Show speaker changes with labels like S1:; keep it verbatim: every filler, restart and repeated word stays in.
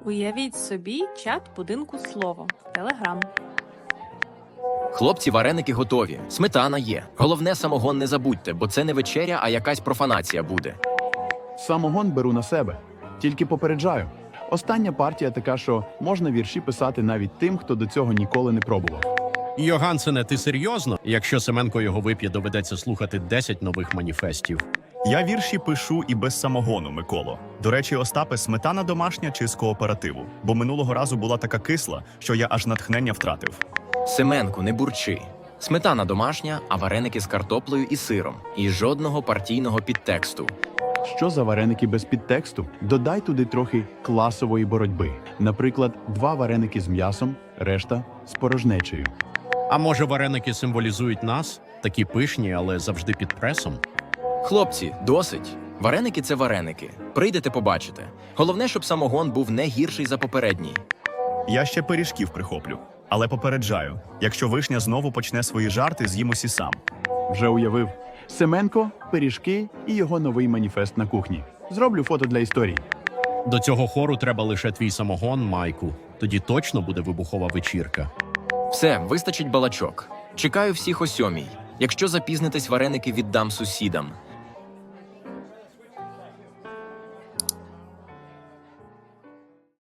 S1: Уявіть собі чат будинку слово. Телеграм.
S2: Хлопці, вареники готові. Сметана є. Головне, самогон не забудьте, бо це не вечеря, а якась профанація буде.
S3: Самогон беру на себе. Тільки попереджаю. Остання партія така, що можна вірші писати навіть тим, хто до цього ніколи не пробував.
S4: Йогансене, ти серйозно? Якщо Семенко його вип'є, доведеться слухати десять нових маніфестів.
S5: Я вірші пишу і без самогону, Миколо. До речі, Остапе, сметана домашня чи з кооперативу? Бо минулого разу була така кисла, що я аж натхнення втратив.
S2: Семенку, не бурчи. Сметана домашня, а вареники з картоплею і сиром. І жодного партійного підтексту.
S3: Що за вареники без підтексту? Додай туди трохи класової боротьби. Наприклад, два вареники з м'ясом, решта з порожнечею.
S4: А може, вареники символізують нас? Такі пишні, але завжди під пресом?
S2: Хлопці, досить. Вареники – це вареники. Прийдете, побачите. Головне, щоб самогон був не гірший за попередній.
S5: Я ще пиріжків прихоплю. Але попереджаю, якщо вишня знову почне свої жарти, з'їм усі сам.
S3: Вже уявив. Семенко, пиріжки і його новий маніфест на кухні. Зроблю фото для історії.
S4: До цього хору треба лише твій самогон, Майку. Тоді точно буде вибухова вечірка.
S2: Все, вистачить балачок. Чекаю всіх о сьомій. Якщо запізнитесь, вареники віддам сусідам.